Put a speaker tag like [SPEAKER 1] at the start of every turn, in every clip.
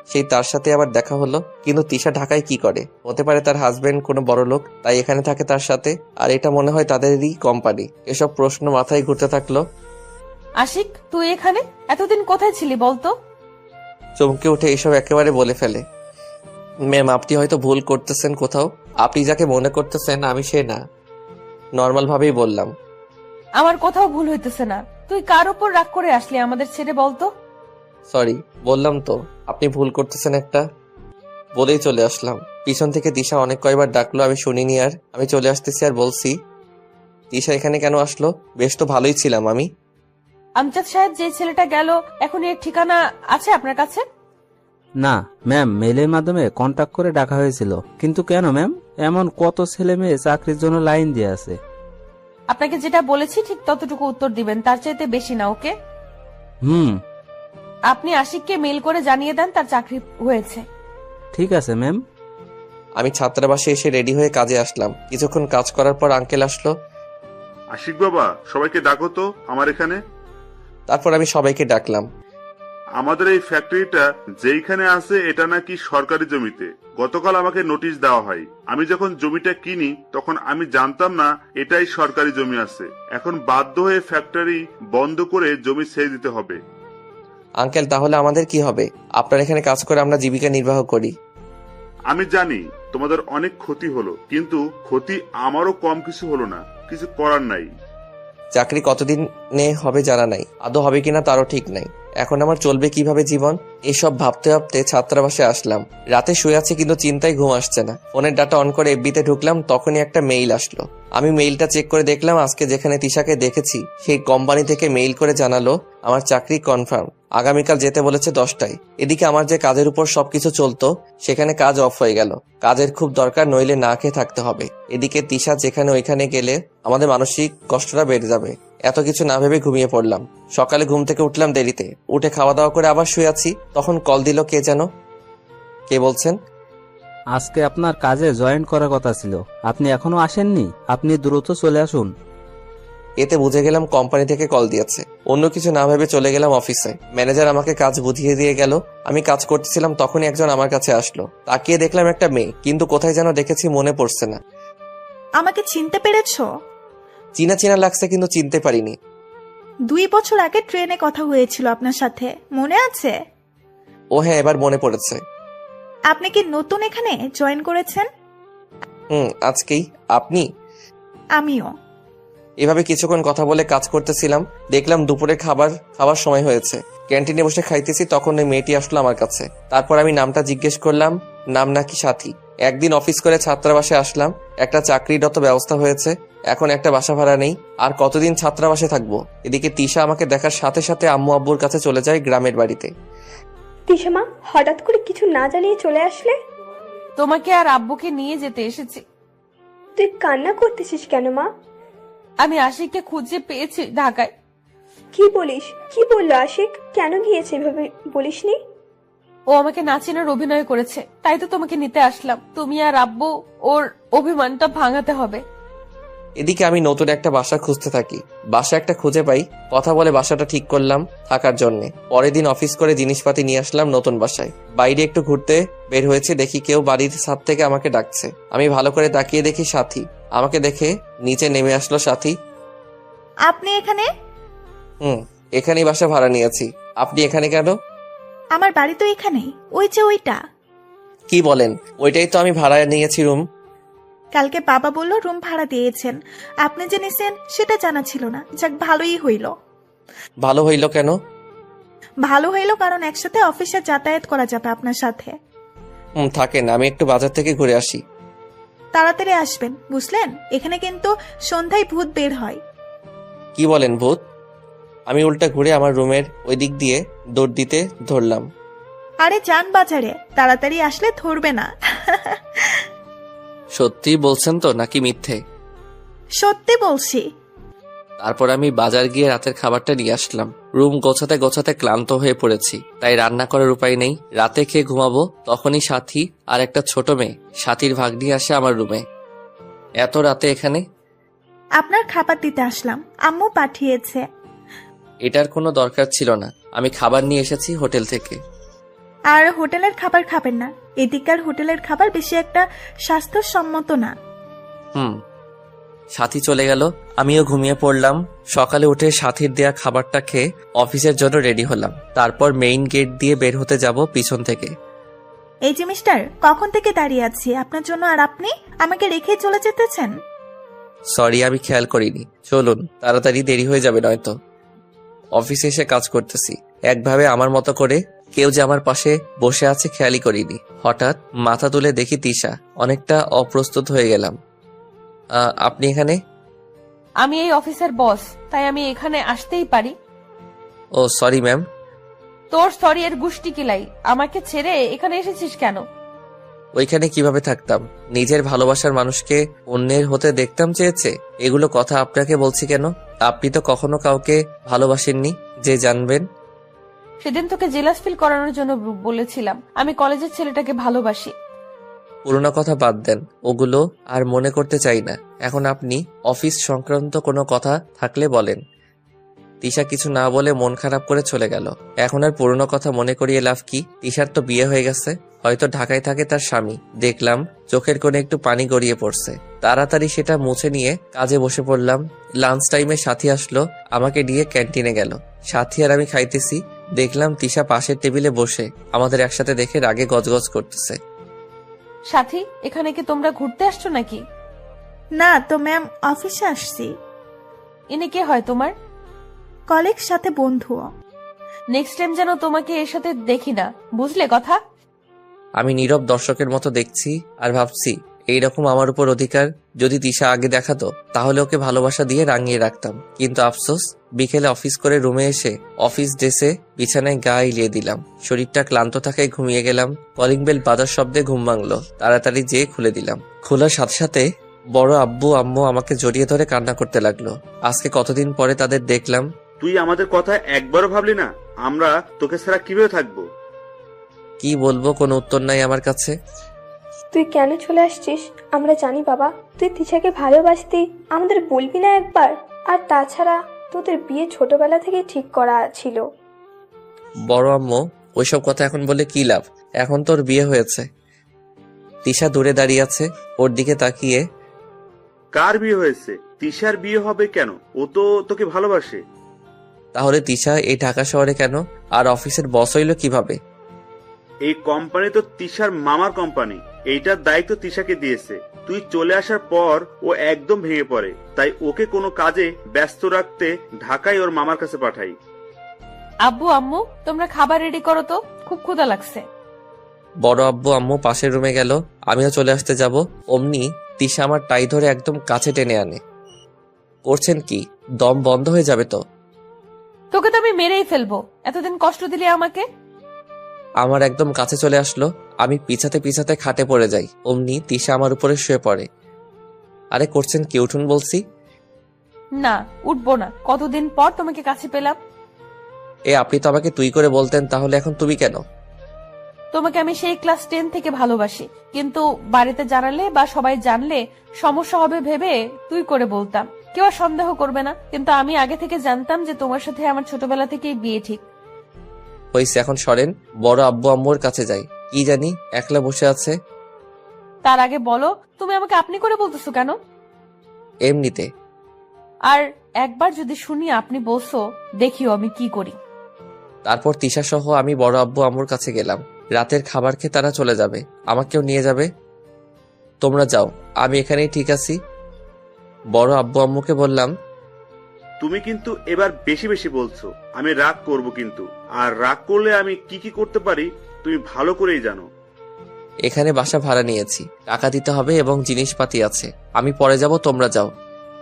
[SPEAKER 1] সেই তার সাথে আবার দেখা হলো। কিন্তু তিশা ঢাকায় কি করে? হতে পারে তার হাজবেন্ড কোনো বড় লোক, তাই এখানে থাকে তার সাথে। আর এটা মনে হয় তাদেরই কোম্পানি। এসব প্রশ্ন মাথায় ঘুরতে থাকলো।
[SPEAKER 2] আশিক, তুই এখানে এতদিন কোথায় ছিলি বলতো?
[SPEAKER 1] চমকে উঠে এসব একেবারে বলে ফেলে। ম্যাম, আপনি হয়তো ভুল করতেছেন কোথাও। আপনি যাকে মনে করতেছেন আমি সে না। নর্মাল ভাবেই বললাম।
[SPEAKER 2] আমার কোথাও ভুল হইতেছে না। তুই কার উপর রাগ করে আসলি আমাদের ছেড়ে বলতো?
[SPEAKER 1] সরি, বললাম তো আপনি ভুল করতেছেন একটা। বলেই চলে আসলাম। পিছন থেকে দিশা অনেক কয়বার ডাকলো, আমি শুনিনি। আর আমি চলে আসতেছি আর বলছি, দিশা এখানে কেন আসলো? বেশ তো ভালোই ছিলাম আমি।
[SPEAKER 2] আমজাদ সাহেব, যে ছেলেটা গেল, এখন এর ঠিকানা আছে আপনার কাছে?
[SPEAKER 3] না ম্যাম, মেলের মাধ্যমে কন্টাক্ট করে ডাকা হয়েছিল। কিন্তু কেন ম্যাম? এমন কত ছেলে মেয়ে চাকরির জন্য লাইন দিয়ে আছে।
[SPEAKER 2] আপনাকে যেটা বলেছি ঠিক ততটুকু উত্তর দিবেন, তার চাইতে বেশি না, ওকে?
[SPEAKER 3] হুম,
[SPEAKER 2] আপনি আশিককে মেল করে জানিয়ে দেন তার চাকরি হয়েছে।
[SPEAKER 3] ঠিক আছে ম্যাম।
[SPEAKER 1] আমি ছাত্রাবাসে এসে রেডি হয়ে কাজে আসলাম। কিছুক্ষণ কাজ করার পর আঙ্কেল আসলো।
[SPEAKER 4] আশিক বাবা, সবাইকে ডাকো তো আমার এখানে।
[SPEAKER 1] তারপর আমি সবাইকে ডাকলাম।
[SPEAKER 4] আমাদের এই ফ্যাক্টরিটা যেইখানে আছে এটা নাকি সরকারি জমিতে। গতকাল আমাকে নোটিশ দেওয়া হয়। আমি যখন জমিটা কিনি তখন আমি জানতাম না এটাই সরকারি জমি আছে। এখন বাধ্য হয়ে ফ্যাক্টরি বন্ধ করে জমি ছেড়ে দিতে হবে।
[SPEAKER 1] আঙ্কেল, তাহলে আমাদের কি হবে? আপনার এখানে কাজ করে আমরা জীবিকা নির্বাহ করি।
[SPEAKER 4] আমি জানি তোমাদের অনেক ক্ষতি হলো, কিন্তু ক্ষতি আমারও কম কিছু হলো না। কিছু করার নাই।
[SPEAKER 1] চাকরি কতদিনে হবে জানা নাই, আদৌ হবে কিনা তারও ঠিক নাই। এখন আমার চলবে কিভাবে জীবন? এসব ভাবতে ভাবতে ছাত্রাবাসে আসলাম। রাতে শুয়ে আছি কিন্তু চিন্তায় ঘুম আসছে না। ফোনের ডাটা অন করে এফবিতে ঢুকলাম, তখনই একটা মেইল আসলো। আমি মেইলটা চেক করে দেখলাম আজকে যেখানে তিশাকে দেখেছি সেই কোম্পানি থেকে মেইল করে জানালো আমার চাকরি কনফার্ম। আগামীকাল যেতে বলেছে 10টায়। এদিকে আমার যে কাজের উপর সবকিছু চলতো সেখানে কাজ অফ হয়ে গেল। কাজের খুব দরকার, নইলে না খেয়ে থাকতে হবে। এদিকে তিশা যেখানে ওইখানে গেলে আমাদের মানসিক কষ্টটা বেড়ে যাবে। এত কিছু না ভেবে ঘুমিয়ে পড়লাম। সকালে ঘুম থেকে উঠলাম দেরিতে, উঠে খাওয়া দাওয়া করে আবার শুয়ে আছি। তখন কল দিল কে যেন। কে বলছেন?
[SPEAKER 3] আজকে আপনার কাজে জয়েন করার কথা ছিল, আপনি এখনো আসেননি। আপনি দ্রুত চলে আসুন।
[SPEAKER 1] এতে বুঝে গেলাম কোম্পানি থেকে কল দিয়েছে। অন্য কিছু না ভেবে চলে গেলাম অফিসে। ম্যানেজার আমাকে কাজ বুঝিয়ে দিয়ে গেল। আমি কাজ করতেছিলাম, তখনই একজন আমার কাছে আসলো। তাকিয়ে দেখলাম একটা মেয়ে, কিন্তু কোথায় যেন দেখেছি মনে পড়ছে না।
[SPEAKER 5] আমাকে চিনতে পেরেছো?
[SPEAKER 1] চিনা চিনা লাগছে কিন্তু চিনতে পারিনি।
[SPEAKER 5] 2 বছর আগে ট্রেনে কথা হয়েছিল আপনার সাথে, মনে আছে?
[SPEAKER 1] ও হ্যাঁ, এবার মনে পড়েছে।
[SPEAKER 5] আপনি কি নতুন এখানে জয়েন করেছেন?
[SPEAKER 1] আজকেই। আপনি?
[SPEAKER 5] আমিও।
[SPEAKER 1] এভাবে কিছুক্ষণ কথা বলে কাজ করতেছিলাম। দেখলাম দুপুরে খাবার সময় হয়েছে। ক্যান্টিনে বসে খাইতেছি, তখন ওই মেয়েটি আসলো আমার কাছে। তারপর আমি নামটা জিজ্ঞেস করলাম। নাম নাকি সাথী। একদিন অফিস করে ছাত্রাবাসে আসলাম। একটা চাকরিরত ব্যবস্থা হয়েছে। এখন একটা বাসা ভাড়া নেই। আর কতদিন ছাত্রাবাসে থাকবো? এদিকে তিশা আমাকে দেখার সাথে সাথে আম্মু আব্বুর কাছে চলে যায় গ্রামের বাড়িতে।
[SPEAKER 6] তিশা মা, হঠাৎ করে কিছু না জানিয়ে চলে আসলে?
[SPEAKER 2] তোমাকে আর আব্বুকে নিয়ে যেতে এসেছি।
[SPEAKER 6] তুই কান্না করতেছিস কেন মা?
[SPEAKER 2] আমি আশিককে খুঁজে পেয়েছি ঢাকায়।
[SPEAKER 6] কি বলিস? কি বললো আশিক? কেন গিয়েছে এভাবে বলিসনি?
[SPEAKER 2] ও আমাকে নাচিনের অভিনয় করেছে, তাই তো তোমাকে নিতে আসলাম। তুমি আর আব্বু ওর অভিমানটা ভাঙাতে হবে।
[SPEAKER 1] এদিকে আমি নতুন একটা বাসা খুঁজতে থাকি। বাসা একটা খুঁজে পাই। কথা বলে বাসাটা ঠিক করলাম থাকার জন্য। পরের দিন অফিস করে জিনিসপাতি নিয়ে আসলাম নতুন বাসায়। বাইরে একটু ঘুরতে বের হয়েছে, দেখি কেউ বাড়ির ছাদ থেকে আমাকে ডাকছে। আমি ভালো করে তাকিয়ে দেখি সাথী। আমাকে দেখে নিচে নেমে আসলো সাথী।
[SPEAKER 5] আপনি এখানে?
[SPEAKER 1] এখানেই বাসা ভাড়া নিয়েছি। আপনি এখানে কেন?
[SPEAKER 5] আমার বাড়ি তো এখানেই, ওই যে ওইটা।
[SPEAKER 1] কি বলেন? ওইটাই তো আমি ভাড়া নিয়েছি রুম।
[SPEAKER 5] কালকে বাবা বলল রুম ভাড়া দিয়েছেন, আপনি যে নিছেন সেটা জানা ছিল না। যাক, ভালোই হইল।
[SPEAKER 1] ভালো হইল কেন?
[SPEAKER 5] ভালো হইল কারণ একসাথে অফিসে যাতায়াত করা যাবে আপনার সাথে।
[SPEAKER 1] থাকেন, আমি একটু বাজার থেকে ঘুরে আসি।
[SPEAKER 5] তাড়াতাড়ি আসবেন, বুঝলেন? এখানে কিন্তু সন্ধ্যায় ভূত বের হয়।
[SPEAKER 1] কি বলেন ভূত? আমি উল্টা ঘুরে আমার রুমের ওই দিক দিয়ে দৌড় দিতে ধরলাম।
[SPEAKER 5] আরে যান বাজারে, তাড়াতাড়ি আসলে ধরবে না।
[SPEAKER 1] সত্যি বলছেন তো নাকি মিথ্যে?
[SPEAKER 5] সত্যি বলছি।
[SPEAKER 1] তারপর আমি বাজার গিয়ে রাতের খাবারটা নিয়ে আসলাম। রুম গোছাতে গোছাতে ক্লান্ত হয়ে পড়েছি, তাই রান্না করার উপায় নেই। রাতে খেয়ে ঘুমাবো। তখনই সাথী আর একটা ছোট মেয়ে, সাথীর ভাগ্নি, আসে আমার রুমে। এত রাতে এখানে?
[SPEAKER 5] আপনার খাবার দিতে আসলাম, আম্মু পাঠিয়েছে।
[SPEAKER 1] এটার কোনো দরকার ছিল না। আমি খাবার নিয়ে এসেছি হোটেল থেকে।
[SPEAKER 5] আর হোটেলের খাবার খাবেন না। এদিককার হোটেলের খাবার বেশি একটা স্বাস্থ্যসম্মত না।
[SPEAKER 1] সাথী চলে গেল, আমিও ঘুমিয়ে পড়লাম। সকালে উঠে সাথীর দেয়া খাবারটা খেয়ে অফিসের জন্য রেডি হলাম। তারপর মেইন গেট দিয়ে বের হতে যাব পিছন থেকে।
[SPEAKER 5] এই যে মিস্টার, কখন থেকে দাঁড়িয়ে আছি আপনার জন্য, আর আপনি আমাকে রেখে চলে যেতেছেন।
[SPEAKER 1] সরি, আমি খেয়াল করিনি। চলুন, তাড়াতাড়ি দেরি হয়ে যাবে নয়তো। অফিসে এসে কাজ করতেছি একভাবে আমার মতো করে, কেউ যে আমার পাশে বসে আছে খেয়ালই করিনি। হঠাৎ মাথা তুলে দেখি তিশা। অনেকটা অপ্রস্তুত হয়ে গেলাম। আপনি এখানে?
[SPEAKER 2] আমি এই অফিসের বস, তাই আমি এখানে আসতেই পারি।
[SPEAKER 1] ও সরি ম্যাম।
[SPEAKER 2] তোর সরি এর গুষ্টি কিলাই, আমাকে ছেড়ে এখানে এসেছিস কেন?
[SPEAKER 1] ওইখানে কিভাবে থাকতাম? নিজের ভালোবাসার মানুষকে অন্যের হতে দেখতাম চেয়েছে। এগুলো কথা আপনাকে বলছি কেন? আপনি তো কখনো কাউকে ভালোবাসেননি যে জানবেন।
[SPEAKER 2] সেদিন তোকে জেলাস ফিল করানোর জন্য বলেছিলাম আমি কলেজের ছেলেটাকে ভালোবাসি।
[SPEAKER 1] পুরোনো কথা বাদ দেন, ওগুলো আর মনে করতে চাই না। এখন আপনি অফিস সংক্রান্ত কোনো কথা থাকলে বলেন। তিশা কিছু না বলে মন খারাপ করে চলে গেল। এখন আর পুরোনো কথা মনে করিয়ে লাভ কি? তিশার তো বিয়ে হয়ে গেছে, হয়তো ঢাকায় থাকে তার স্বামী। দেখলাম চোখের কোণে একটু পানি গড়িয়ে পড়ছে। তাড়াতাড়ি সেটা মুছে নিয়ে কাজে বসে পড়লাম। লাঞ্চ টাইমে সাথী আসলো, আমাকে নিয়ে ক্যান্টিনে গেল। সাথী আর আমি খাইতেছি, দেখলাম তিশা পাশের টেবিলে বসে আমাদের একসাথে দেখে রাগে গজগজ করতেছে।
[SPEAKER 2] সাথী, এখানে কি তোমরা ঘুরতে আসছো নাকি?
[SPEAKER 5] না তো ম্যাম, অফিসে আসছি।
[SPEAKER 2] ইনি কে হয় তোমার?
[SPEAKER 5] কলিগ, সাথে বন্ধু।
[SPEAKER 2] নেক্সট টাইম যেন তোমাকে এর সাথে দেখি না, বুঝলে কথা?
[SPEAKER 1] আমি নীরব দর্শকের মতো দেখছি আর ভাবছি, এইরকম আমার উপর অধিকার যদি তিশা আগে দেখাতো তাহলে ওকে ভালোবাসা দিয়ে রাঙিয়ে রাখতাম। কিন্তু আফসোস, বিকেলে অফিস করে রুমে এসে অফিস ড্রেসে বিছানায় গা এলিয়ে দিলাম। শরীরটা ক্লান্ত থাকায় ঘুমিয়ে গেলাম। কলিং বেল বাজার শব্দে ঘুম ভাঙলো। তাড়াতাড়ি যেয়ে খুলে দিলাম। খোলার সাথে সাথে বড় আব্বু আম্মু আমাকে জড়িয়ে ধরে কান্না করতে লাগলো। আজকে কতদিন পরে তাদের দেখলাম।
[SPEAKER 4] তুই আমাদের কথা একবারও ভাবলি না? আমরা তোকে ছাড়া কিভাবে থাকবো?
[SPEAKER 1] কি বলবো, কোনো উত্তর নাই আমার কাছে।
[SPEAKER 6] তুই কেন চলে আসছিস আমরা জানি বাবা। তুই তিশাকে ভালোবাসতি, আমাদের বলবি না একবার? আর তাছাড়া তোদের বিয়ে ছোটবেলা থেকে ঠিক করা ছিল।
[SPEAKER 1] বড় আম্মু, ওইসব কথা এখন বলে কি লাভ? এখন তোর বিয়ে হয়েছে। তিশা দূরে দাঁড়িয়ে আছে, ওর দিকে তাকিয়ে।
[SPEAKER 4] কার বিয়ে হয়েছে? তিশার বিয়ে হবে কেন? ও তো তোকে ভালোবাসে।
[SPEAKER 1] তাহলে তিশা এই ঢাকা শহরে কেন, আর অফিসের বস হইল কিভাবে?
[SPEAKER 4] এই কোম্পানি তো তিশার মামার কোম্পানি, এইটার দায়িত্ব তিশাকে দিয়েছে। তুই চলে আসার পর ও একদম ভেঙে পড়ে, তাই ওকে কোনো কাজে ব্যস্ত রাখতে ঢাকায় ওর মামার কাছে পাঠাই।
[SPEAKER 2] আব্বু আম্মু, তোমরা খাবার রেডি করো তো, খুব ক্ষুধা লাগছে।
[SPEAKER 1] বড় আব্বু আম্মু পাশের রুমে গেল, আমিও চলে আসতে যাব। অমনি তিশা আমার টাই ধরে একদম কাছে টেনে আনে। করছেন কি? দম বন্ধ হয়ে যাবে তো।
[SPEAKER 2] তোকে তো আমি মেরেই ফেলবো, এতদিন কষ্ট দিলি আমাকে।
[SPEAKER 1] আমার একদম কাছে চলে আসলো। আমি পিছাতে পিছাতে খাটে পড়ে যাই। অমনি তিশা আমার উপরে শুয়ে পড়ে। আরে করছেন কি? উঠুন বলছি।
[SPEAKER 2] না, উঠবো না, কতদিন পর তোমাকে কাছে পেলাম।
[SPEAKER 1] আপনি তো আমাকে তুই করে বলতেন, তাহলে এখন তুমি কেন?
[SPEAKER 2] তোমাকে আমি সেই ক্লাস 10 থেকে ভালোবাসি, কিন্তু বাড়িতে জানালে বা সবাই জানলে সমস্যা হবে ভেবে তুই করে বলতাম। কেউ আর সন্দেহ করবে না, কিন্তু আমি আগে থেকে জানতাম যে তোমার সাথে আমার ছোটবেলা থেকেই বিয়ে ঠিক।
[SPEAKER 1] হয়েছে, এখন সরেন। বড় আব্বু আম্মুর কাছে যাই। কি জানি একলা বসে আছে।
[SPEAKER 2] তার আগে বলো, তুমি আমাকে আপনি করে বলতেছো কেন?
[SPEAKER 1] এমনিতে।
[SPEAKER 2] আর একবার যদি শুনি আপনি বলছো, দেখিও আমি কি করি।
[SPEAKER 1] তারপর তিশা সহ আমি বড় আব্বু আম্মুর কাছে গেলাম। রাতের খাবার খেয়ে তারা চলে যাবে, আমাকেও নিয়ে যাবে। তোমরা যাও, আমি এখানেই ঠিক আছি। বড় আব্বু আম্মুকে বললাম,
[SPEAKER 4] তুমি কিন্তু এবার বেশি বেশি বলছো। আমি রাগ করব কিন্তু, আর রাগ করলে আমি কি কি করতে পারি তুমি ভালো করেই জানো।
[SPEAKER 1] এখানে বাসা ভাড়া নিয়েছি, টাকা দিতে হবে এবং জিনিসপাতি আছে। আমি পরে যাব, তোমরা যাও।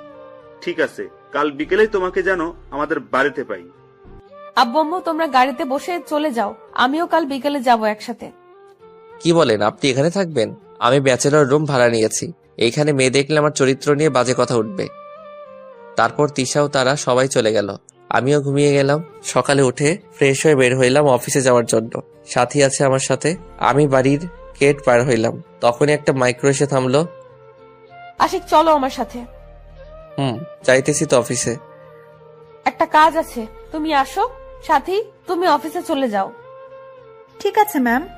[SPEAKER 4] ঠিক আছে, কাল বিকেলেই তোমাকে যেন আমাদের বাড়িতে পাই।
[SPEAKER 2] আব্বু আম্মু, তোমরা গাড়িতে বসে চলে যাও, আমিও কাল বিকেলে যাব একসাথে।
[SPEAKER 1] কি বলেন, আপনি এখানে থাকবেন? আমি ব্যাচেলর রুম ভাড়া নিয়েছি। এইখানে মেয়ে দেখলে আমার চরিত্র নিয়ে বাজে কথা উঠবে। তারপর তিশাও তারা সবাই চলে গেল, আমিও ঘুমিয়ে গেলাম। সকালে উঠে ফ্রেশ হয়ে বের হইলাম অফিসে যাওয়ার জন্য। সাথী আছে আমার সাথে। আমি বাড়ির গেট পার হইলাম, তখনই একটা মাইক্রো এসে থামলো।
[SPEAKER 2] আশিক, চলো আমার সাথে।
[SPEAKER 1] যাইতেছি তো অফিসে।
[SPEAKER 2] একটা কাজ আছে, তুমি আসো। সাথী, তুমি অফিসে চলে যাও।
[SPEAKER 5] ঠিক আছে ম্যাম।